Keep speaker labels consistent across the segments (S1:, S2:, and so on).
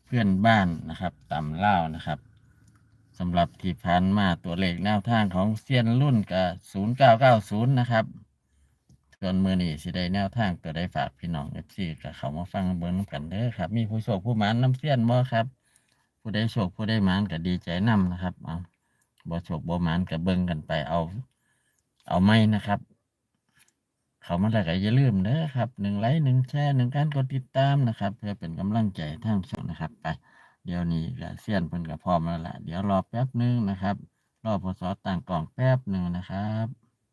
S1: เพื่อนบ้านนะครับตำเล่านะครับสำหรับที่ผ่านมาตัวเลขแนวทางของเซียนรุ่นกับ0990นะครับส่วนมือนี้สิได้แนวทางตัวได้ฝากพี่น้องFCกับเขามาฟังเบิ้งกันเด้อครับมีผู้โชคผู้หมานน้ำเซียนบ่ครับผู้ได้โชคผู้ได้หมานก็ดีใจนำนะครับเอาบ่โชคบ่หมานก็เบิ่งกันไปเอาไม่นะครับเขามาแล้วก็อย่าลืมเด้อครับ1 ไลค์ 1 แชร์ 1 การกดติดตามนะครับเพื่อเป็นกำลังใจทางช่องนะครับไปเดี๋ยวนี้ก็เซียนเพิ่นก็พร้อมแล้วล่ะเดี๋ยวรอแป๊บนึงนะครับรอพศตั้งกล้องแป๊บนึงนะครับ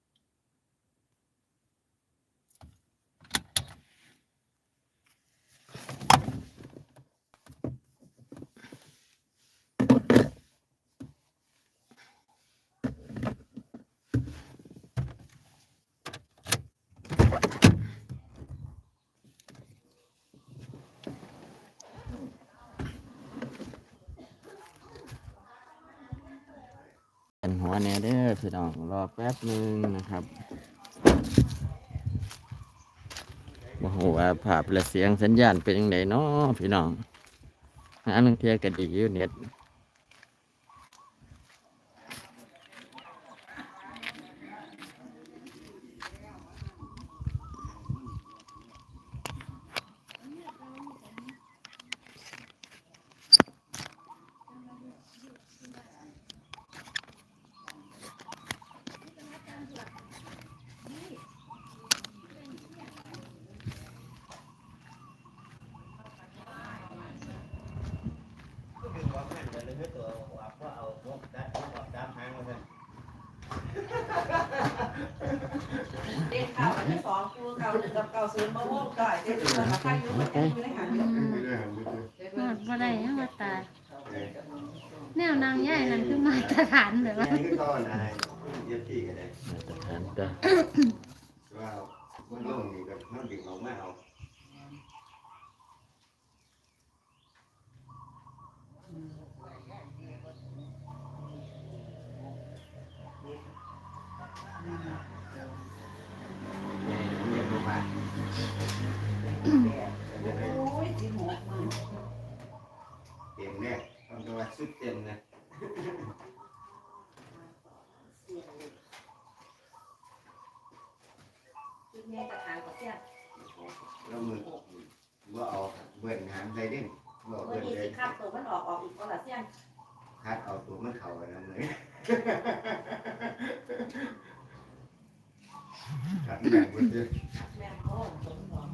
S1: เป็นหัวแน่เด้อพี่น้องรอแป๊บนึงนะครับบ่ฮู้ว่าภาพและเสียงสัญญาณเป็นจังไดเนาะพี่น้องหาลางเที่ยก็ดีอยู่เน็ต
S2: เด็กข่าวอันที่สองคือเก่าหนึ่งกับเก่าศูนย์มะม่วงก่อยเด็กข่าวมาค่ายอยู่เหมือนกันอยู่ในหางเดียว
S3: หมดบ่ได้ยังว่าตายแนวนางใหญ่นั่นคือมาตรฐานแบบว่า
S4: นี่คือก้อนอะไรเย็บที่กันเลย
S1: มาตรฐานจ้ะ
S4: ว่ามันลงนี่กับมันดิ่งออกมาเอาเต็มเนี่ยต้องตัวสุดเต็มนะ
S2: คือแม่กระถางกับเสี้ยน
S4: แล้วมือว่าเอาเบิ่นหางใส่ดิ้นว่า
S2: เมื่อ
S4: เบิ่น
S2: นี้
S4: เล
S2: สิ
S4: ย
S2: ข้ามตัวมันออกอีกก็ละเสี้ยน
S4: คัดเอาตัวมันเข่ากันนะเลยคัดแบ่งหมดเลย
S2: แม่โอ้สมหวัง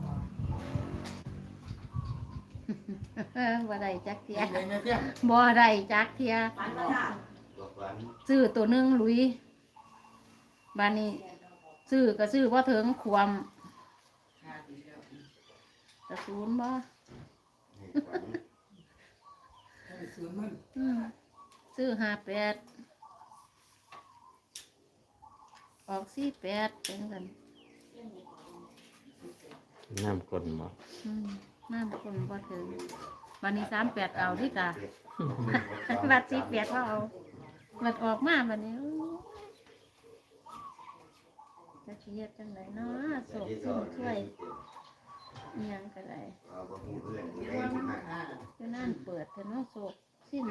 S3: บ่ได้จักเทียบ่ได้จักเทีย
S2: ฟันมาค่ะ
S4: ตัวฝัน
S3: ซื้อตัวหนึงหลุยบานนี้ซื้อก็ซื้อบ่ถึงความตะศูนย์บ่
S4: นี่ฝัน
S3: ซื้อ58ออก48เป็นกัน
S1: น้ำกลนบ่
S3: น้ำคนบ่ถึงวันนี้38เอาที่กะบัด48ก็เอาบัดออกมาบัดนี้จะสิเฮ็ดจังไดเนาะโศกสิ้นช่วยอิหยังก็ได้
S4: เอาบ่ฮู้เพื่อนผู้ใดที่มา
S3: อยู่นั่นเปิดเถอะเนาะโศกสิ้น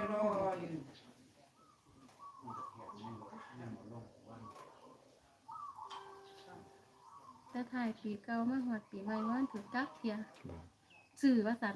S3: แต่ถ่ายปีเก่ามาฮอดปีใหม่มันถูกจักเที่ยซื้อว่าซั่น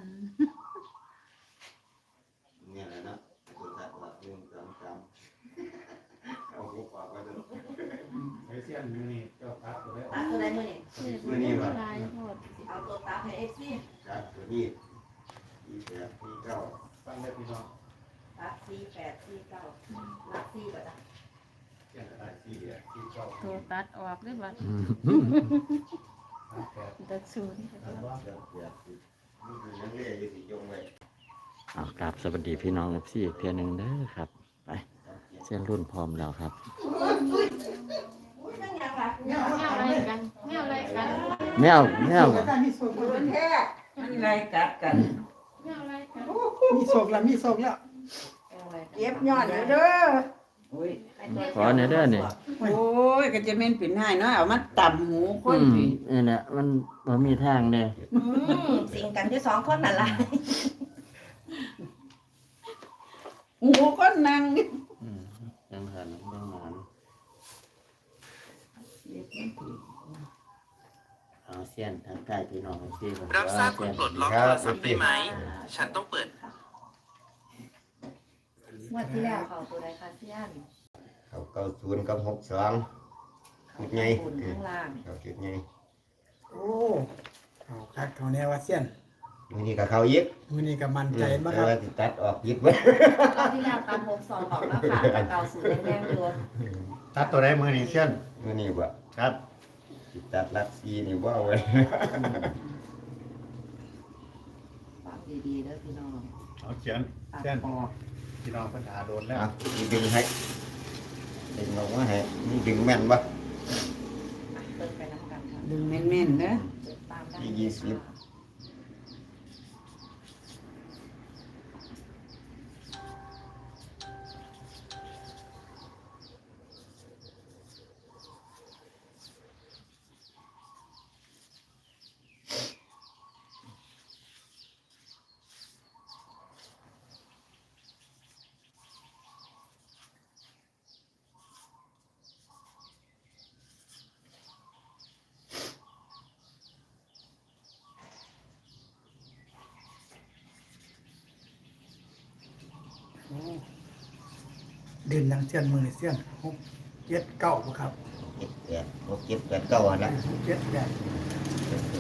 S4: เนี่ยแหละเนาะตัวสัตว์ว่าเรื่องจำเอาหัวปากไว้เถอะ
S5: ไอ้เสี้ยนอยู่นี่เจ้าตัดตัวได้
S2: ตัดตัวใดมือนี่
S4: มื้อนี้ว่ะ
S3: ลายโพด
S2: เอาตัวตัดให้เอฟซี
S4: จัดตัวนี้ที่แปดที่เก้า
S5: ฟังได้พี่น้อง
S2: ตัด48 49ลัก4ก็ได้
S5: เสี้ยนตายสี่ที่เก้า
S3: ตัวตัดออกเลยบัด
S5: 38
S3: ตัดศูนย์
S5: ตัดว่า
S4: เดี๋ยวเดี๋ยวนี่คือนักเรียนอยู่ที่จงไว้
S1: เอากราบสวัสดีพี่น้องFCอีกเทื่อหนึงเด้อครับไปเส้นรุ่นพร้อมแล้วครับ
S2: อุ้ยนั่งยังล่ะ
S3: แมวอะไรกันแมวอะไรกัน
S1: แมว
S2: มัน
S1: บ่
S2: แท้มันอะไรกัดกัน
S3: แมวอะไรกัน
S6: มีโศกแล้วมีโศกแล้ว
S2: เย็บยอดเด้อ
S1: ขอเนี่ยเด้อนี่
S6: โอ้ยก็จะเม่นปิ่นให้เนาะเอามาต่ำหูคนสิ
S1: นี่แหละมันบ่มีทางเด้
S2: สิ่งกันที่สองคนนั่นล่ะ
S6: หูคนนั่ง
S1: จังหันจังหมันเอาเสี้ยนทางใต้พี่น้องที่ผม
S7: รับทราบคุณปลดล็อกโทรศัพท์ได้ไหม ฉันต้องเปิด
S3: งวดที่แล้วเขาตัวใดคะเซียน
S4: เขา90กับ62จุดใหญ่
S3: บนข้างล่าง
S4: เขาจุดใหญ่
S5: โอ้เอาคักเขาแนวว่าเสี้ยน
S4: มื้อนี้ก็เข้าอีก
S5: มื้อนี้ก็มั่นใจบ่ค
S4: แต่
S5: รับ
S4: ว่าสิตัดออกยิบไว้
S3: รอบที่แล้วตาม62ออกแล้วค่ะแต่เก่าศูนย์แดงๆอยู่
S5: ตัดตัวใดมื้อนี้เสี้ยน
S4: มื้อนี้บ่
S5: ครับ
S4: สิตัดลักซีนี่บ่เอาไว้
S3: ฟังดีๆเด้อพี่น้อง
S5: เอาเขียน
S3: ตัด
S5: เสี้ยน
S3: ออก
S5: พี่น้องปัญหาโดนแล้ว
S4: เอาสิดึงให้ดึงออกมาให้นี่ดึงแม่นบ่
S3: เปิดไปน้ำกันค่ะ
S6: ดึงแม่นๆเด้อ
S3: เปิดตามได้
S4: ที่20
S5: โอ้เด่นหนังเสี้ยนมื้อนี้เสี้ยน6 7 9บ่ครับ
S4: 7 8 6 7 8 9หั่นล่ะ
S5: 7 8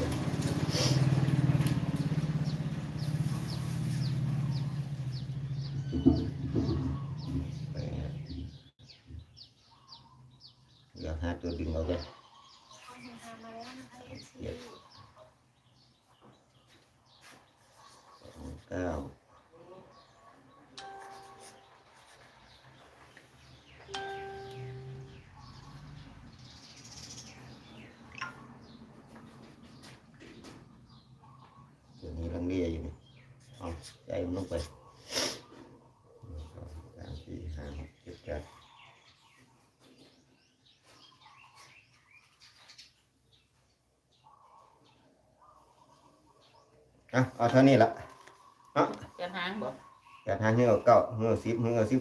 S4: เดี๋ยวหาตัวดึงเอากันเจ็ดเก้าตัวนี้ลังเลียอยู่นี่เอาใจมันลงไป1 2 3 4 5 6 7 8เอาเท่านี้ละเอา
S6: จะหางบ่
S4: จัดหาเหือเก้าเหือ10เหือ12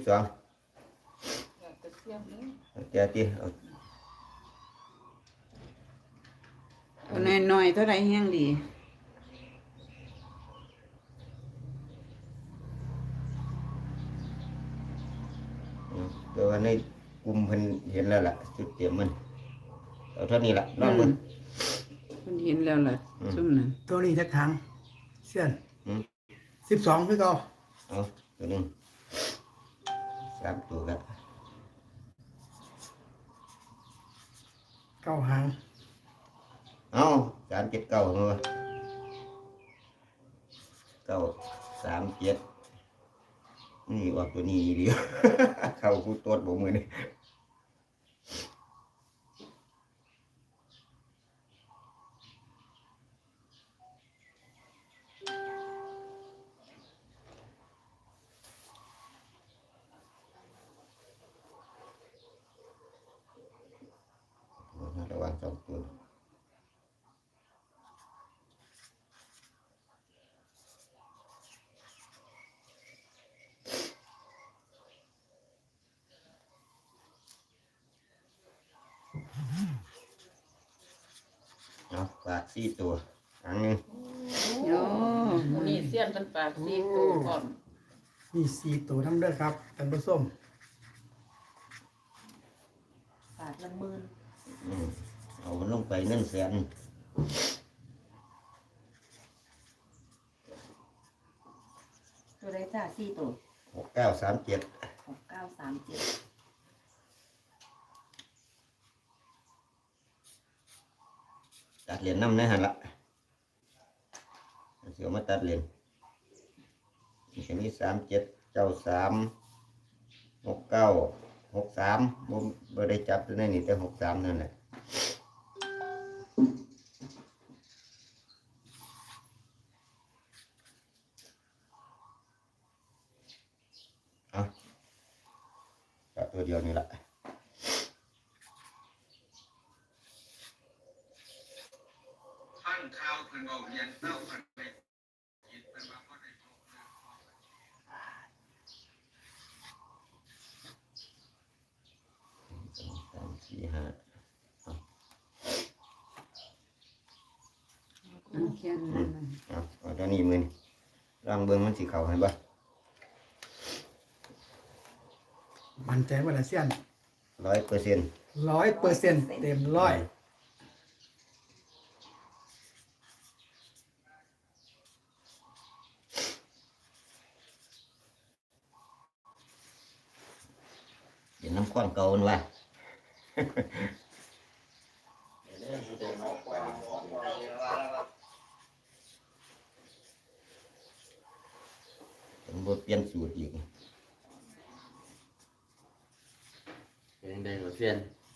S4: เจ้าตีเอา
S6: เอาน้อยๆเท่าไรแห้งดี
S4: ตัวในกลุ่มเพิ่นเห็นแล้วล่ะจุดเตรียมมันเอาเท่านี้ละลองเบิ่ง
S6: มันเห็นแล้วล่ะซุ่มนั้น
S5: ตัวนี้จักทางเสี้ยน
S4: อืม
S5: 12คือเก่า
S4: เอาตัวหนึง3ตัวกัน
S5: 9หาง
S4: เอา3 7 9เอาวะ9 3 7นี่ออกตัวนี้ดี เข้ากูตรวจบ่มือนี่ระวัง2ตัวเอาฝาก4ตัวอันหนึง
S6: โอ้นี่เสี้ยนเป็นปากสีตัวก่อน
S5: มี4ตัวนำเด้อครับท่านผู้ชม
S3: บาทละหมื่น
S4: เอามันลงไป100,000
S3: ตัวใดจ้า4ตัว
S4: 6937
S3: 6937
S4: ตัดเหรียญน้ำในหันละเสียวมาตัดเหรียญนี่ก็มี37 93 69 63บ่ได้จับตัวนี้นี่แต่63นั่นแหละเอาตัดตัวเดียวนี่ละฟังข่าวเพิ่นเว้าเรียนเต้าเพิ่นไปคิดเพิ่นว่าบ่ได้ 4 5
S6: เขียนนั่นน่ะ
S4: เอาตัวนี้มือลองเบิ่งมันสิเข้าให้บ่
S5: มั่นใจว่าละเสี้ยน
S4: 100%
S5: 100%เต็มร้อย
S4: เดี๋ยวน้ำข้อนเก่ามันว่าผมบ่เปลี่ยนสูตรอีก
S1: เป็นได้หัวเสี้ยน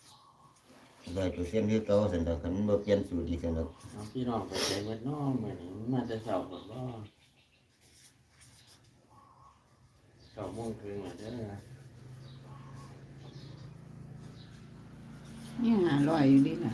S4: 100%คือเก่าซั่นดอกคันบ่เปลี่ยนสูตรอีกซั่นดอก
S1: น้องพี่น้องไปใจเม็ดน้องมื้อนี้มันมาแต่เช้าพุ่นบ่9 โมงถึงแล้วเด้อ
S6: นี่500อยู่ดิน่ะ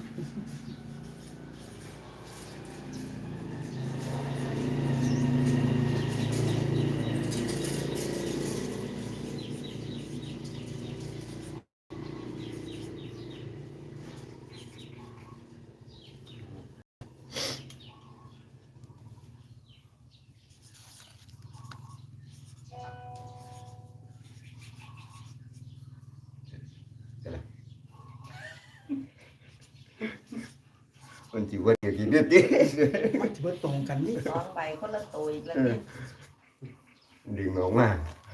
S4: มันสิว่าเดี๋ยวกินเด็ดดิ
S5: มันจะเบิดตรงกันนี่
S2: 2 ใบคนละตัวอีกแล้วนี่
S4: ดึงออกมา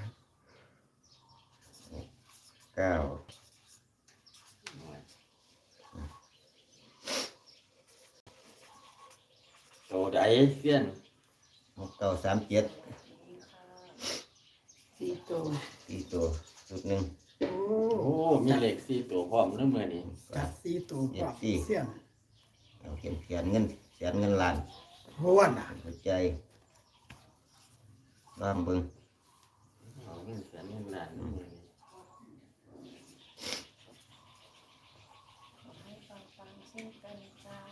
S4: 9
S1: โตใดเสี้ยน
S4: 6 9 3 7
S6: 4ตัว
S4: 4ตัวชุดหนึง
S5: โอ้
S1: โอ้มีเลข4ตัวพร้อมเด้อมื้อนี้
S5: จัด4ตัวกว่าเสี้ยน
S4: เอาเขียนเงินล้าน
S5: ห้วนน่ะ
S4: หัวใจบ้างเบิ่ง
S1: เอาเงินแสนเงินล้านเด้อมื้อนี้
S2: ให้ฟังๆเช่นกันจ้า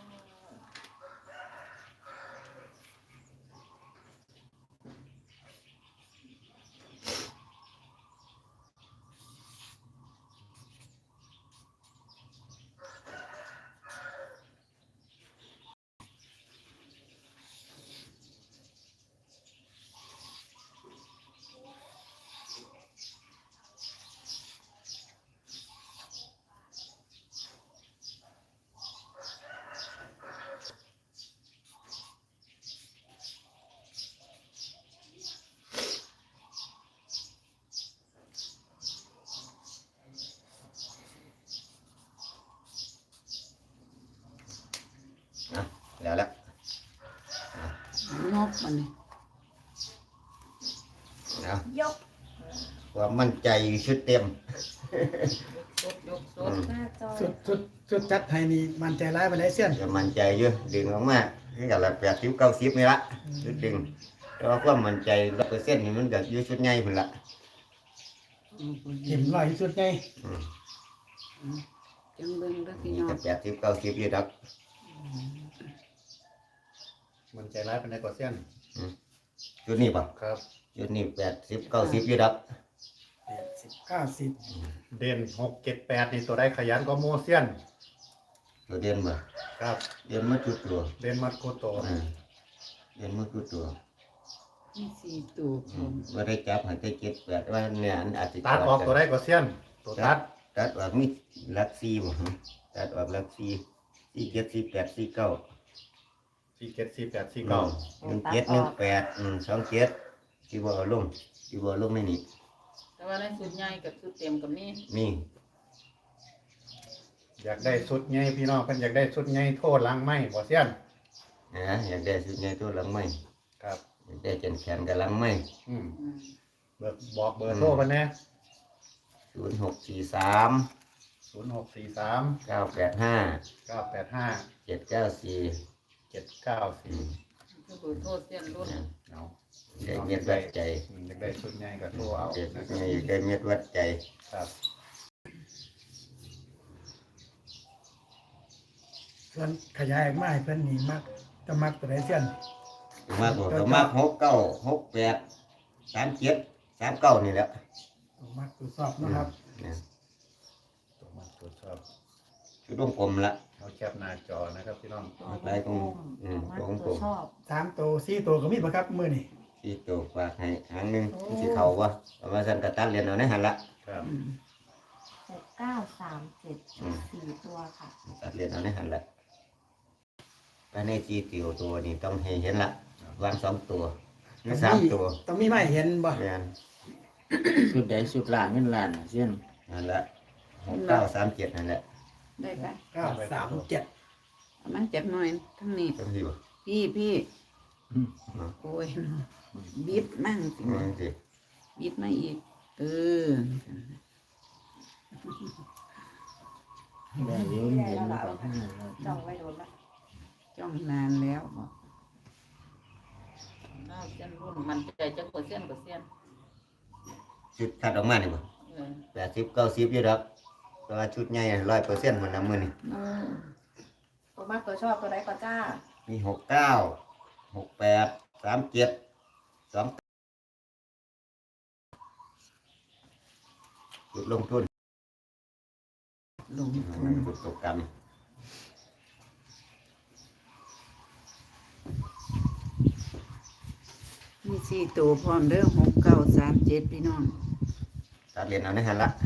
S4: แล้วละ
S6: งบมันนี่
S4: เอา
S2: ยก
S4: ความมั่นใจชุดเต็ม
S2: ยกสดหน้าจอ
S5: สุดจัดให้นี่มั่นใจร้ายไปไหนเสี้ยน
S4: จะมั่นใจเยอะดึงออกมาคือกันละ80 90นี่ละชุดดึงแต่ว่าความมั่นใจ100%นี่มันก็อยู่ชุดใหญ่พุ่นละ
S5: เห็นร้อยที่สุดไง
S4: อืม
S6: จังเบิ่งเด้อพี่
S4: นี่
S6: น้อง
S4: ก็80 90อยู่ดอก
S8: มันใจร้ายเป็นในกว่าเส้น
S4: ชุดนี้ป่ะ
S8: ครับ
S4: ชุดนี้80 90อยู่ดอก
S5: 90
S8: เด่น6 7 8นี่ตัวได้ขยันก็โมเซียน
S4: ตัวเด่นบ่
S8: ครับ
S4: เด่นมาทุกตัว
S8: เด่นมัดโคโต
S4: เด่นมาทุกตัว
S6: มี4ตัวพร้อม
S4: ว่าได้จับให้ได้7 8ว่าเนี่ยอันอาจจะ
S8: ตัดออกตัวได้กว่าเซียนตัวตัด
S4: ตัดออกมีหลัก4บ่ฮะตัดออกหลัก4 4 7 4 8 4 9
S8: 4 7 4 8 4 9
S4: 1 7 1 8 2 7ที่บ่เอาลงในนี้
S6: แต่ว่าในสุดใหญ่กับสุดเต็มก็มี
S4: มี
S8: อยากได้สุดใหญ่พี่น้องเพิ่นอยากได้สุดใหญ่โทษหลังไม้บ่เซียน
S4: อยากได้สุดใหญ่ตัวหลังไม้
S8: ครับ
S4: อยากได้แขนกับหลังไม้
S8: บอกเบอร์โทรเพิ่นแน่
S4: 0643
S8: 0643
S4: 985
S8: 985
S4: 794
S8: 794
S6: คือโทษเสี้ยนรุ่น
S8: เอา
S4: ได้เม็ดวัดใจ
S8: อยากได้สุดใหญ่ก็โทรเอา
S4: เด็ก
S8: นะครับ
S4: นี่ได้เม็ดวัดใจ
S8: ครับ
S5: ส่วนขยายออกมาให้เพิ่นนี่มักจะมักตัวไหนเสี้ยน
S4: มากกว่าก็มาก69 68 37 39นี่แหละ
S5: มักตัวสอบเนาะครับ
S4: เนี่ย
S8: ตัวมาตรวจสอบ
S4: ชุดวงกลมละ
S8: เอาแคปหน้าจอนะครับพี่น้อง
S4: หลายของตัววงกลม
S3: ชอบ
S5: 3ตัว4ตัวก็มีบ่ครับมื้อนี้
S4: ที่ตัวฝากให้หางหนึงมันสิเข้าบ่เอามาสั่นก็ตัดเรียนเอาในหั่นละ
S8: ครับ
S3: 6937ชุด4ตัวค่ะ
S4: ตัดเรียนเอาในหั่นละภายในจีติวตัวนี้ต้องให้เห็นละวาง2ตัวหรือ3ตัว
S5: ต้องมีไม้เห็นบ่
S4: แม่น
S1: ชุดใดชุดล่างเงินล้านน่ะเสี้ยน
S4: นั่นละ6937นั่นแหละ
S6: ได้ปะ
S5: 937
S6: เอามันจับหน่อยทั้งนี้
S4: จังซี่บ่
S6: พี่โอ้ยบิดมั่งสิ
S4: จังซี่
S6: บิดมาอีก
S1: ได้เดี๋ยวเห็นมันก็ให้แล้ว
S2: จ้องไว้โดนละ
S6: จ้องนานแล้ว
S3: เอาเส้นรุ่นมันใจจักเปอร์เซ็นต์
S4: ชุดตัดออกมานี่บ่ 80 90อยู่ดอกแต่ว่าชุดใหญ่100%มันนำมื้อนี้
S2: ตัวมากตัวชอบตัวใดก็จ้า
S4: มี69 68 37 2จุดลงทุน
S6: ลงทุน
S4: จุดตกกรรม
S6: มี4ตัวพร้อมเด้อ6937พี่น้อง
S4: ตัดเรียนเอาในหันละ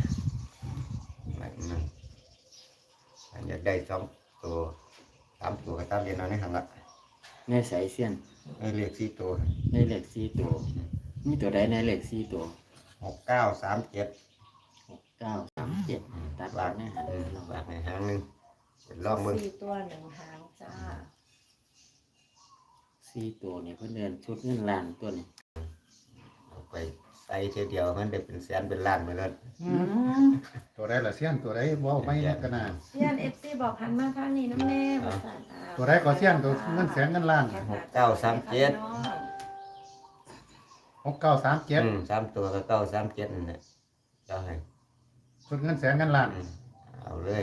S4: อยากได้2ตัว3ตัวก็ตัดเรียนเอาในหันละ
S1: ในสายเสี้ยน
S4: ให้เลข4ตัว
S1: ในเลข4ตัวมีตัวใดในเลข4ตัว
S4: 6937
S1: 6937ตัดบาทแน่หัน
S4: บาทในหางหนึงลองเบิ่ง
S2: 4ตัว1หางจ้า
S1: 4ตัวนี่เพิ่นเดินชุดเงินล้านตัวนี้
S4: เอาไปใส่เทีเดียวมันได้เป็นแสนเป็นล้านไปแล้ว
S8: ตัวใดล่ะเสี้ยนตัวใดเว้าไม่กันนะ
S2: เซียน FC บอกหันมาทางนี้น้ำแน่ว่าซั่น
S8: ตัวใดก็เสี้ยนตัวเงินแสนเงินล้าน 6937
S4: 3ตัวก็937นั่นแหละเจ้าให้
S8: ชุดเงินแสนเงินล้าน
S4: เอาเลย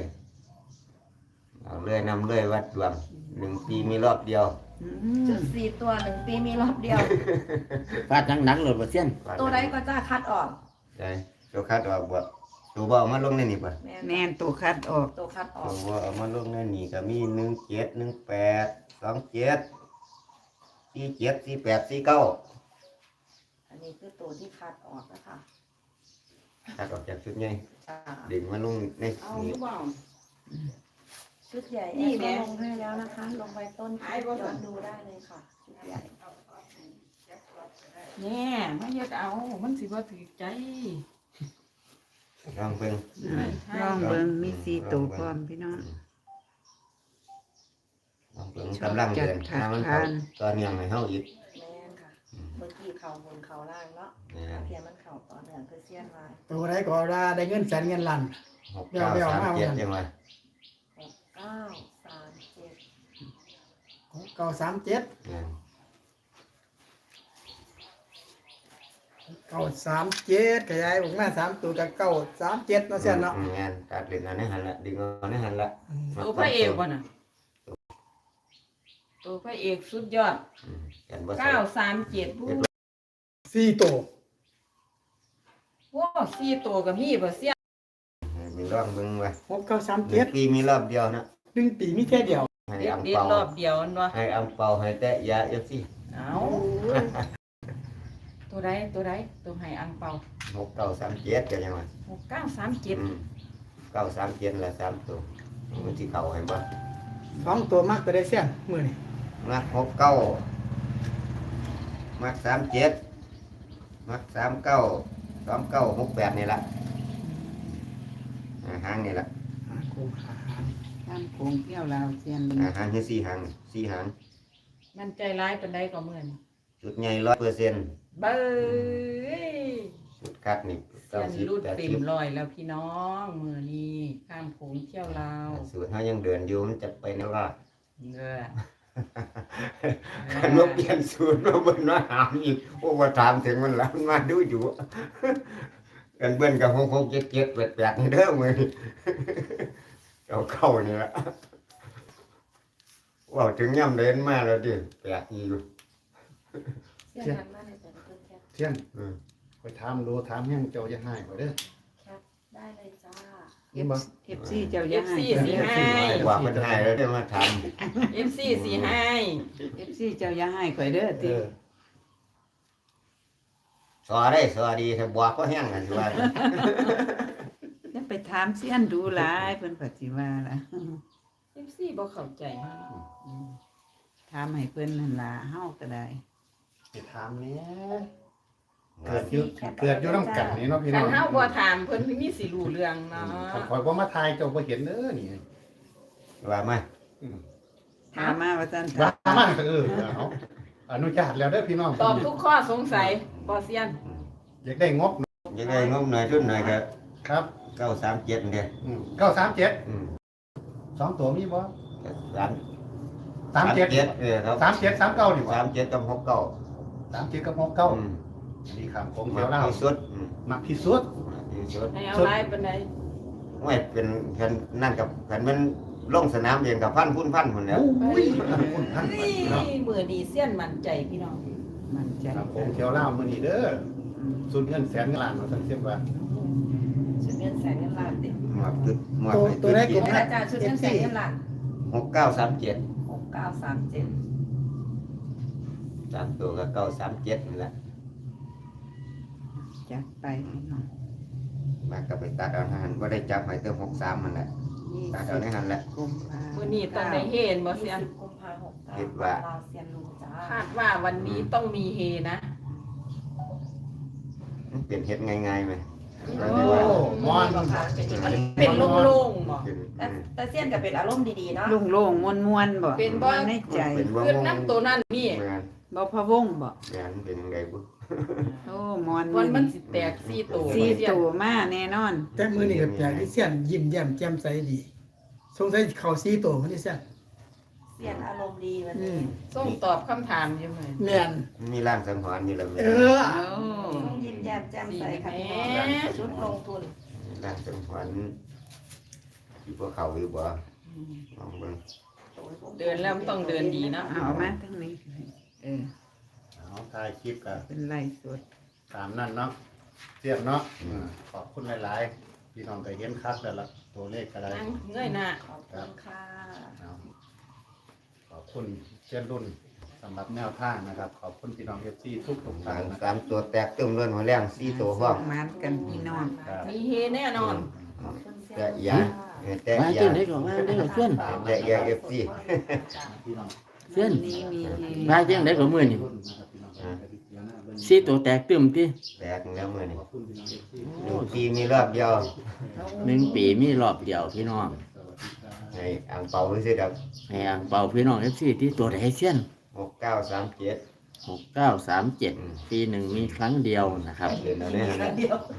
S4: นำเลยวัดดวง1 ปีมีรอบเดียว
S2: จุด4ตัว1 ปีมีรอบเดียว
S1: ฟาดหนักๆโหลดบ่เสี้ยน
S2: ตัวใดก็จ้าคัดออก
S4: ได้ตัวคัดออกบ่ตัวบ่เอามาลงในนี่บ่
S6: แม่นตัวคัดออก
S2: ตัวคัดออ
S4: ตั
S2: ก
S4: วบ่เอามาลงในนี่ก็มี17 18 27 47 48 49
S2: อันนี้คือตัวที่คัดออกนะคะ
S4: คัดออกจากชุดใหญ่
S2: จ้า
S4: ดึงมาลงใน
S6: เอา
S4: นี่
S6: หรือเปล่า
S2: ชุดใหญ่
S6: นี่
S2: นี่
S6: แหละ
S2: ลงให้แล้วนะคะ ลงไปต้นคลิปย้อนดูได้เลยค่ะชุดใหญ่
S6: แน่ไม่เฮ็ดเอา มันสิบ่ถือใจ
S4: ลองเบิ่ง
S6: ลองเบิ่งมี4ตัวพร้อมพี่น้อง
S4: ลองเบิ่งกำลังเดินทางมันเข้าตอนยังให้เฮาอีก
S2: แม่นค่ะ เมื่อกี้เข่าบนเข่าล่างเนาะ
S4: นะ
S2: เพียงมันเข่าต่อเนื่องคือเซียนมา
S5: ตัวใดก็ว่าได้เงินแสนเงินล้าน
S4: 6937ยังไง
S2: 6937
S5: 937
S4: นะ
S5: 937ขยายออกมา3ตัวกับ937เนาะเสียนเนาะ
S4: งานตัดเล่นเอาในหันละดึงเอาในหันละ
S6: ตัวพระเอกบ่น่ะตัวพระเอกสุดยอด
S4: กันบ่ใส่
S6: 937ผู้
S5: 4ตัว
S6: โอ้4ตัวก็มีบ่เสีย
S4: มีรอบเบิ่งว่า
S5: 6937
S4: ปีมีรอบเดียวนะ
S5: 1 ปีมีแค่เดียว
S4: ให้
S6: เด็ด
S4: อัง
S6: เด็ด
S4: เปาร
S6: อบเดียวนั่นวะ
S4: ให้อังเปาให้แตะยาFC
S6: เอาตัวใดตัวให้อังเปา
S4: 6937ก็ยังว่า
S6: 6937
S4: 937ละ3ตัวมันสิเข้าให้บ่
S5: 2ตัวมากตัวได้เสียนมื้อนี้
S4: มัก69มัก37มัก39 29 68นี่ล่ะหางนี่ล่ะ
S5: กูหา
S6: ตามโคงเที่ยวลาวเซียน
S4: หางคือ4หาง4หาง
S6: มันใจร้ายปานใดก็เหมือน
S4: จุดใหญ่100%
S6: เบ้ย
S4: จุดคัดนี่
S6: เซียนรูดเต็มร้อยแล้วพี่น้องมื้อนี้ข้ามโขงเที่ยวลาว
S4: 90สูตรเฮายังเดินอยู่มันจะไปแนวว่า
S6: เด้อ
S4: คันว่าเปลี่ยนสูตรมาเบิ่นมาหามอีกโอ้ว่าถามถึงมันแล้วมาดูอยู่ กันเบิ่นกับ66 77 88นี่เด้อมื้อนี้เอาเข้านี่ล่ะว้าวถึงย่ำเดินมาแล้วดิแปลกอีอยู่
S2: เซียนหันมาในแต่ละคนแคป
S8: เสี้ยน
S4: อืม
S8: ไปถามดูถามยังเจ้าจะให้บ่เด้อ
S2: ได้เลยจ้า
S8: นี่บ่
S6: FC เจ้าอย่าให้ FC สิให้
S4: ว่าเพิ่นให้แล้วได้มาท
S6: FC สิให้ FC เจ้าอย่าให้ข่อยเด้อติ
S4: ำสอได้สอดีถ้าบอกก็แห้งกันสิว่า
S6: อย่าไปถามเสียนดูหลายเพิ่นก็สิว่าล่ะ
S2: FC บ่เข้าใจ
S6: ถามให้เพิ่นนั่นล่ะเฮาก็ได้
S8: ไปถามแหน่เกิดอยู่นำกันนี่เนาะพี่น้
S6: คั
S8: อน ง
S6: เฮาบ่ถามเพิ่นมีสิรู้เรื่องเนาะ
S8: คันข่อยบ่มาทายเจ้าบ่เห็นเด้อนี่
S4: ว่ามา
S6: ถามมาว่าซั่น
S8: ว่ามาเอาอนุญาตแล้วเด้อพี่น้อง
S6: ตอบทุกข้อสงสัยบ่เซียน
S8: อยากได้งบ
S4: ยังไงงบหน่อยทุนหน่อยก็
S8: ครับ
S4: 937เด้อ
S8: 937
S4: อืม
S8: 2ตัวมีบ่
S4: 37
S8: 37
S4: ครับ
S8: 37 39นี่บ่
S4: 37กับ69
S8: 37กับ
S4: อื
S8: 69
S4: ม
S8: นี่ครับผม
S4: มา
S8: เที่ยวลาว
S4: ที่สุดอืม
S8: มักที่สุด
S4: มาที่สุด
S6: ให้เอาหลายปานใด
S4: ไม่เป็นกันนั่นกับกันมันลงสนามเองกับพันพุ่นพุ่นแหล้ว
S8: อุ้ยท่าน
S2: นี่
S8: พี่น้อง
S2: มื้อนี้เสี้ยนมั่นใจพี่น้อง
S6: มั่นใจ
S8: ครับผมเที่ยวลาวมื้อนี้เด้อสุดเงินแสนเงินล้านว่าซั่นเสียว่า
S2: ชุดเงินแสนเงินล้านติ
S4: หมดจุดหมด
S5: ตัวได้กลุ่ม
S2: อาจารย์ชุดเงินแสนเงินล้าน
S4: 6937
S2: 6937
S4: 3ตัวก็937นี่แหละ
S6: จัดไปพี่น้อง
S4: มาก็ไปตัดเอาหันบ่ได้จับให้เติม63มันแหละตัดเอาในหันแหละ
S6: กุมภา
S2: มื้อนี้ต้องได้เฮนบ่เสียน
S9: กุมภาพันธ์
S4: คิดว่า
S9: ลาวเซียนลุงจ้า
S2: คาดว่าวันนี้ต้องมีเฮนะ
S4: มันเป็นเฮ็ดง่ายๆไหม
S8: โอ้มอน
S2: เป็นโล่งๆบ่
S9: แต่เซียนก็เป็นอารมณ์ดีๆเนาะ
S6: โล่งๆม่วนๆบ่
S2: เป็นบ่
S6: ในใจ
S4: เป็นบ่
S2: ขึ้นน้ำตัวนั้นนี่
S4: แม่น
S6: บ่พะวงบ่
S4: แม่นเป็นยังไงบุ
S6: โอ้มอน
S2: วันมันสิแตก4ตัว
S6: สี่ตัวมาแน่นอน
S5: แต่มือนี่กับอย่างที่เสี้ยนยิ้มแย้มแจ่มใสดีสงสัยเขาซีโตมันที่เสี้ยน
S9: เซียนอารมณ์ดีวันนี้
S2: ส่งตอบคำถามอยู่มื้อ
S5: แม่น
S4: มีร่างสังหรณ์อยู่แล้วแม่
S5: เออ
S6: โอ้
S9: ต้องยิ้มแย้มแจ่มใสค่ะพี่น้องชุดลงทุน
S4: ร่างสังหรณ์อยู่บ่เข้าอยู่บ่ลองเบิ่ง
S2: เดินแล้วมันต้องเดินดีเนาะ
S6: เอามาทั้งนี้เออ
S8: เอาถ่ายคลิปกัน
S6: เป็นไลฟ์สด
S8: ตามนั่นเนาะเสียบเนาะขอบคุณหลายๆพี่น้องก็เห็นคักแล้วล่ะตัวเลขก็ได้
S2: นั่งเงยหน้า
S9: ขอบคุณค่ะ
S8: เอาขอบคุณเช่นรุ่นสำหรับแนวทางนะครับ ขอบคุณพี่น้องเอฟซีทุกท่านนะค
S4: สา
S8: รับ
S4: มตัวแตกตึมเลื่อนหัวแรง4ตัวพร้อม
S6: มานกันพี่น้อง
S8: ครับ
S2: มีเฮแน่นอน
S9: ขอบคุณเซีย
S4: แต่
S9: น
S4: ยาแต่
S1: มา
S4: ยา
S1: เจ้าได้ก่อนมาได้ก่อนเพื่อน
S4: แต่ยา FC
S8: พี่น้อง
S1: เพื่อน
S6: นี้มีเฮ
S1: มาเจ้าได้ก่อนมื้อนี้
S8: นะครับพี่น้อง
S1: สิตัวแตกตึมติ
S4: แตกแล้วมื้อนี้
S8: ขอบคุณพี่น้องเอฟซี
S4: 1ปีมีรอบเดียว
S1: 1 ปีมีรอบเดียวพี่น้อง
S4: ให้อ่างเปาซื่อๆดอก
S1: ให้อ่างเป่าพี่น้อง FC ที่ตัวใดเซียน
S4: 6937
S1: 6937 ปีหนึ่งมีครั้งเดียวนะครับ
S4: เดินเอาได้หั่นแหละ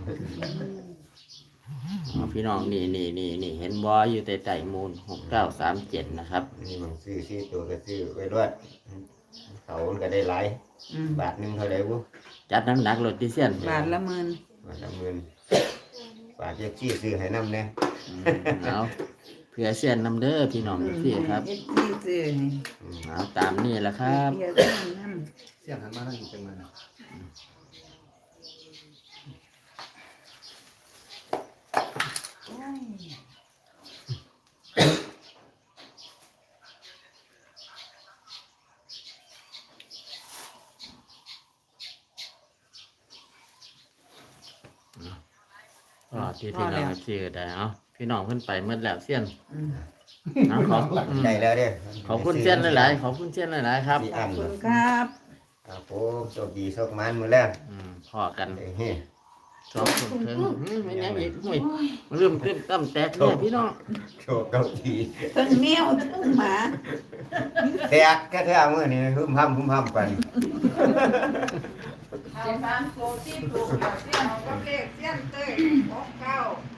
S1: อ๋อพี่น้องนี่เห็นบออยู่ใต้มูล6937นะครับ
S4: นี่มันซื้อ4ตัวก็ซื้อไว้รวดเขามันก็ได้หลาย
S6: อืม
S4: บาทหนึงเท่าไหร่บุ
S1: จัดหนักๆรถที่เซียน
S6: บาทละหมื่น
S4: บาทละหมื่นบาทเจ๊ซื้อให้นำแน่
S1: เอาเพื่อเซียนนำเด้อพี่น้องพี่ครับ
S6: เฮ็ดที่ซื้อให้
S1: เอาตามนี่แหละครับ
S6: เฮ็ดที่นำ
S8: เสียงหันมาทางนี้จังเลยนะ
S1: อ๋อที่พี่น้องพี่ก็ได้เอาพี่น้องเพิ่นไปเมื่อแล้วเซียน
S6: อืม
S1: เอาขอบ
S4: ได้แล้วเด้
S1: ขอบคุณเซียนหลายๆขอบคุณเซียนหลายๆครับ
S4: มี
S6: ข
S4: อั
S6: อบ
S4: น
S6: คุณครับ
S4: ครับผมโชคดีโชคมันมื้อแรก
S1: พอกัน
S4: เฮ้ย
S1: สองคนเพิ่งไม่ยังอีกห่วยเริ่มขึ้นตั้มแตกเนี่ยพี่น้อง
S4: โชคเก้าที
S6: ทั้งแมวทั้งหมา
S4: แตกแท้ๆมื้อนี้หึมห้ำไป
S2: เอา3ตัวที่ถูกเสี้ยนเอาก็เลขเสี้ยนเต้ย69